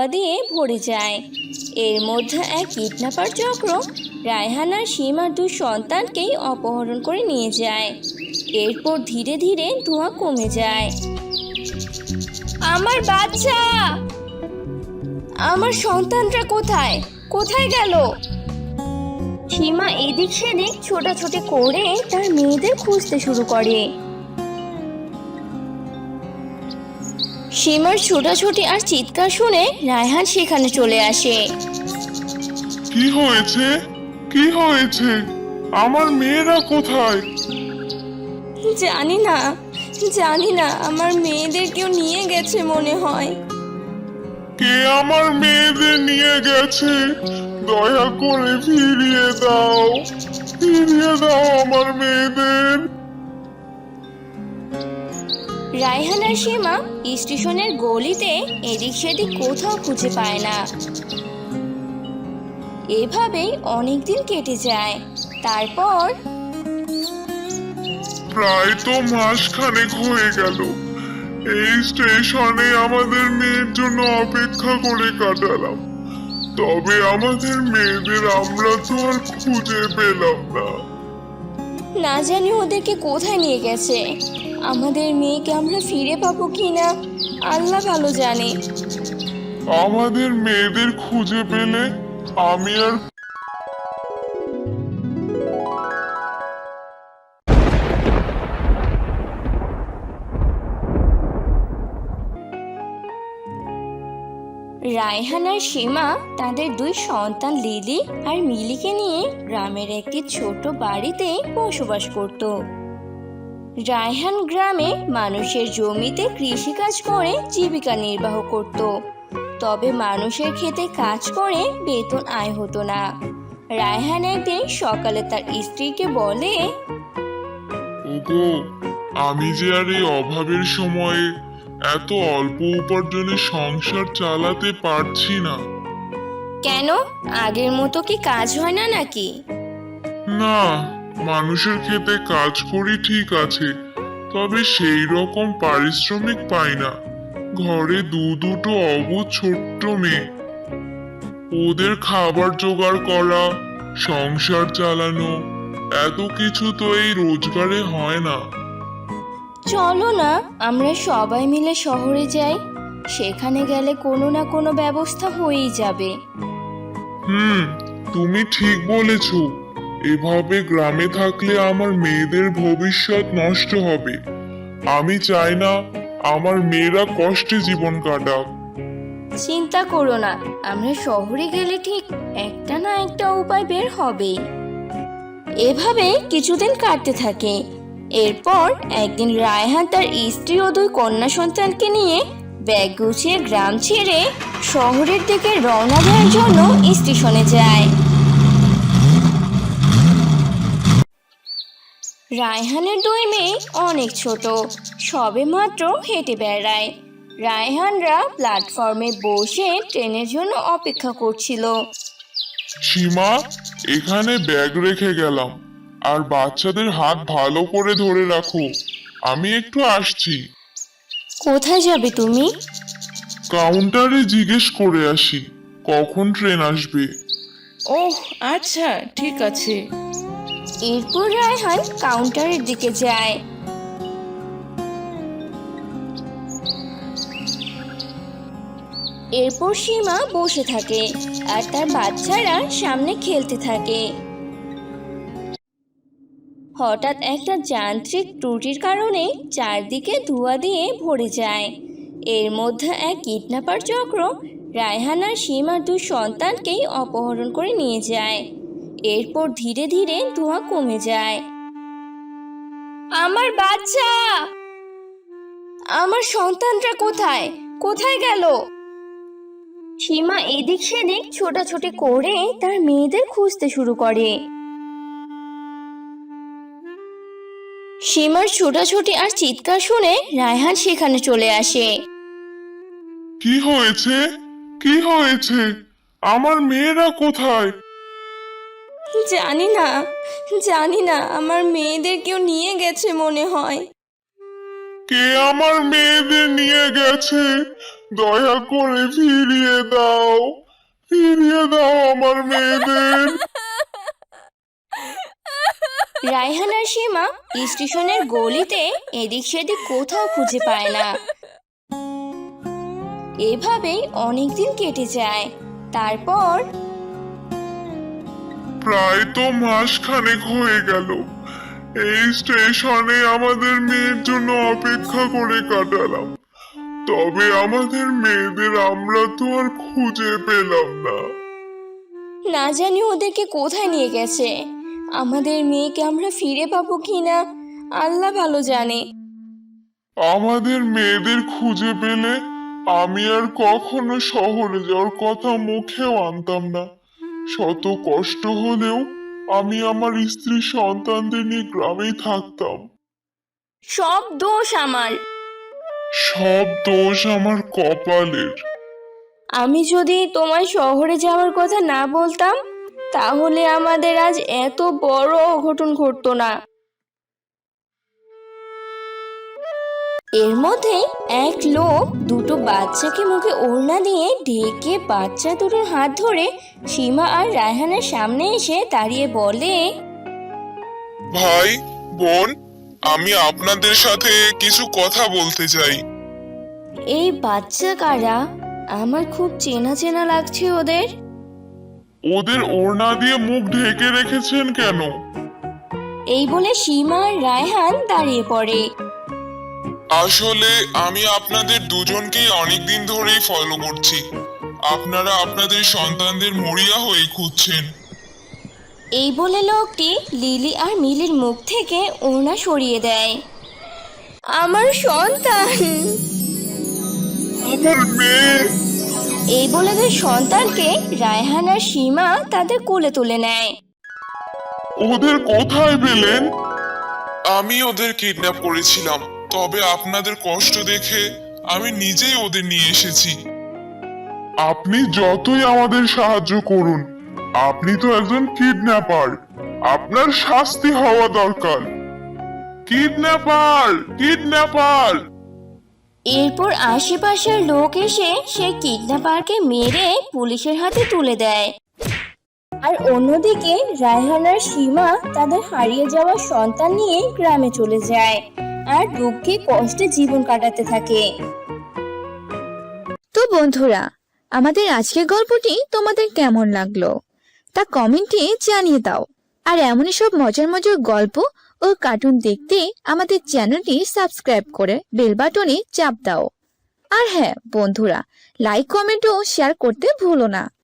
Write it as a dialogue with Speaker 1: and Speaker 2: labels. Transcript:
Speaker 1: দিয়ে ভরে যায়। এর মধ্যে এক কিডন্যাপার চক্র রায়হান আর সীমার দুই সন্তানকেই অপহরণ করে নিয়ে যায়। এরপর ধীরে ধীরে ধোঁয়া কমে যায়। আমার বাচ্চা, আমার সন্তানরা কোথায় কোথায় গেল? সীমা এদিক সেদিক ছোটাছুটি করে তার মেয়েদের খুঁজতে শুরু করে। সীমার ছোটাছুটি আর চিৎকার শুনে রায়হান সেখানে চলে আসে।
Speaker 2: কি হয়েছে? কি হয়েছে? আমার মেয়েরা কোথায়?
Speaker 1: জানি না, জানি না, আমার মেয়েদের কেউ নিয়ে গেছে মনে হয়।
Speaker 2: কে আমার মেয়েদের নিয়ে গেছে? দয়া করে ফিরিয়ে দাও, ফিরিয়ে দাও আমার মেয়েদের।
Speaker 1: রায়হান আর সীমা স্টেশনের গলিতে এদিক সেদিক কোথাও খুঁজে পায় না। এভাবেই অনেকদিন কেটে যায়। তারপর
Speaker 2: প্রায় তো মাসখানেক হয়ে গেল এই স্টেশনে আমাদের মেয়ের জন্য অপেক্ষা করে কাটালাম, তবে আমাদের মেয়েদের আমরা তো আর খুঁজে পেলাম না।
Speaker 1: না জানি ওদেরকে কোথায় নিয়ে গেছে। আমাদের মেয়েকে আমরা ফিরে পাবো কিনা আল্লাহ ভালো জানে।
Speaker 2: আমাদের মেয়েদের খুঁজে পেলে আমি আর
Speaker 1: রায়হান আর সীমা তাদের দুই সন্তান লিলি আর মিলিকে নিয়ে গ্রামের একটি ছোট বাড়িতে বসবাস করত। রায়হান গ্রামে মানুষের জমিতে কৃষিকাজ করে জীবিকা নির্বাহ করত, তবে মানুষের ক্ষেতে কাজ করে বেতন আয় হতো না। রায়হান একদিন সকালে তার স্ত্রীকে বলে,
Speaker 2: ওগো, আমি যে আর এই অভাবের সময়ে এত অল্প উপার্জনে সংসার চালাতে পারছি না।
Speaker 1: কেন, আগের মতো কি কাজ হয় না নাকি?
Speaker 2: না, মানুষের ক্ষেতে কাজ করি ঠিক আছে, তবে সেই রকম পারিশ্রমিক পাই না। ঘরে দুটো অবুঝ ছোট্ট মেয়ে, ওদের খাবার জোগাড় করা, সংসার চালানো, এত কিছু তো এই রোজগারে হয় না।
Speaker 1: চলো না আমরা সবাই মিলে শহরে যাই, সেখানে গেলে কোনো না কোনো ব্যবস্থা হয়েই যাবে।
Speaker 2: তুমি ঠিক বলেছ। এভাবে গ্রামে থাকলে আমার মেয়েদের ভবিষ্যৎ নষ্ট হবে। আমি চাই না আমার মেয়েরা কষ্টে জীবন কাটাক।
Speaker 1: চিন্তা করো না, আমরা শহরে গেলে ঠিক একটা না একটা উপায় বের হবে। এভাবে কিছুদিন কাটতে থাকে। এরপর একদিন রায়হান তার স্ত্রী ও দুই কন্যা সন্তানকে নিয়ে ব্যাগ গুছিয়ে গ্রাম ছেড়ে শহরের দিকে রওনা দেওয়ার জন্য স্টেশনে যায়। রায়হানের দুই মেয়ে অনেক ছোট, সবে মাত্র হেঁটে বেড়ায়। রায়হানরা প্ল্যাটফর্মে বসে ট্রেনের জন্য অপেক্ষা করছিল।
Speaker 2: সীমা, এখানে ব্যাগ রেখে গেলাম, আর বাচ্চাদের হাত ভালো করে ধরে রাখো, আমি একটু আসছি।
Speaker 1: কোথায় যাবে তুমি?
Speaker 2: কাউন্টারে জিজ্ঞেস করে আসি কখন ট্রেন আসবে।
Speaker 3: ওহ আচ্ছা, ঠিক আছে।
Speaker 1: এরপর রায়হান কাউন্টারের দিকে যায়। এরপর সীমা বসে থাকে আর তার বাচ্চারা সামনে খেলতে থাকে। হঠাৎ একটা যান্ত্রিক ত্রুটির কারণে চারদিকে ধোঁয়া দিয়ে ভরে যায়। এর মধ্যে এক কিডন্যাপার চক্র রায়হান আর সীমার দুই সন্তানকেই অপহরণ করে নিয়ে যায়। এরপর ধীরে ধীরে ধোঁয়া কমে যায়। আমার বাচ্চা, আমার সন্তানরা কোথায় কোথায় গেল? সীমা এদিক সেদিক ছোটাছুটি করে তার মেয়েদের খুঁজতে শুরু করে। সীমার ছোটাছুটি আর চিৎকার শুনে রায়হান সেখানে চলে আসে।
Speaker 2: কি হয়েছে? কি হয়েছে? আমার মেয়েরা কোথায়?
Speaker 1: জানি না, জানি না, আমার মেয়েদের কেউ নিয়ে গেছে মনে হয়।
Speaker 2: কে আমার মেয়েদের নিয়ে গেছে? দয়া করে ফিরিয়ে দাও আমার মেয়েদের।
Speaker 1: রায়হান আর সীমা স্টেশনের গলিতে এদিক সেদিক কোথাও খুঁজে পায় না। এভাবেই অনেকদিন কেটে যায়। তারপর
Speaker 2: প্রায় তো মাস খানেক হয়ে গেল এই স্টেশনে আমাদের মেয়ের জন্য অপেক্ষা করে কাটালাম, তবে আমাদের মেয়েদের আমরা তো আর খুঁজে পেলাম না।
Speaker 1: না জানি ওদেরকে কোথায় নিয়ে গেছে। আমাদের মেয়েকে আমরা ফিরে পাবো কিনা আল্লাহ ভালো জানে।
Speaker 2: আমাদের মেয়েদের খুঁজে পেলে আমি আর কখনো শহরে যাওয়ার কথা মুখেও আনতাম না। শত কষ্ট হলেও আমি আমার স্ত্রী সন্তানদের নিয়ে গ্রামেই থাকতাম।
Speaker 1: সব দোষ আমার।
Speaker 2: সব দোষ আমার কপালের।
Speaker 1: আমি যদি তোমায় শহরে যাওয়ার কথা না বলতাম তাহলে আমাদের আজ এত বড় অঘটন ঘটতো না। এর মধ্যে এক লোক দুটো বাচ্চাকে মুখে ওড়না দিয়ে ঢেকে বাচ্চা দুটোর হাত ধরে সীমা আর রায়হানের সামনে এসে দাঁড়িয়ে বলে,
Speaker 2: ভাই, বোন, আমি আপনাদের সাথে কিছু কথা বলতে চাই।
Speaker 1: এই বাচ্চা কারা? আমার খুব চেনা চেনা লাগছে ওদের।
Speaker 2: ওদের ওড়না দিয়ে মুখ ঢেকে রেখেছেন কেন?
Speaker 1: এই বলে সীমা আর রায়হান দাঁড়িয়ে পড়ে।
Speaker 2: আসলে আমি আপনাদের দুজনকেই অনেকদিন ধরেই ফলো করছি। আপনারা আপনাদের সন্তানদের মরিয়া হয়ে খুঁজছেন।
Speaker 1: এই বলে লোকটি লিলি আর মিলির মুখ থেকে ওড়না সরিয়ে দেয়। আমার সন্তান!
Speaker 2: আমার মেয়ে!
Speaker 1: এই বলে দুই সন্তানকে রায়হান আর সীমা তাদের কোলে তুলে নেয়।
Speaker 2: ওদের কোথায় পেলেন? আমি ওদের কিডন্যাপ করেছিলাম, তবে আপনাদের কষ্ট দেখে আমি নিজেই ওদের নিয়ে এসেছি। আপনি যতই আমাদের সাহায্য করুন, আপনি তো একজন কিডন্যাপার। আপনার শাস্তি হওয়া দরকার। কিডন্যাপার!
Speaker 1: এরপর আশেপাশের লোক এসে সেই কিডন্যাপারকে মেরে পুলিশের হাতে তুলে দেয়। আর অন্যদিকে রায়হান আর সীমা তাদের হারিয়ে যাওয়া সন্তান নিয়ে গ্রামে চলে যায় আর দুঃখে কষ্টে জীবন কাটাতে থাকে।
Speaker 4: তো বন্ধুরা, আমাদের আজকের গল্পটি তোমাদের কেমন লাগলো তা কমেন্টে জানিয়ে দাও। আর এমনই সব মজার মজার গল্প ও কার্টুন দেখতে আমাদের চ্যানেলটি সাবস্ক্রাইব করে বেল বাটনে চাপ দাও। আর হ্যাঁ বন্ধুরা, লাইক কমেন্ট ও শেয়ার করতে ভুলো না।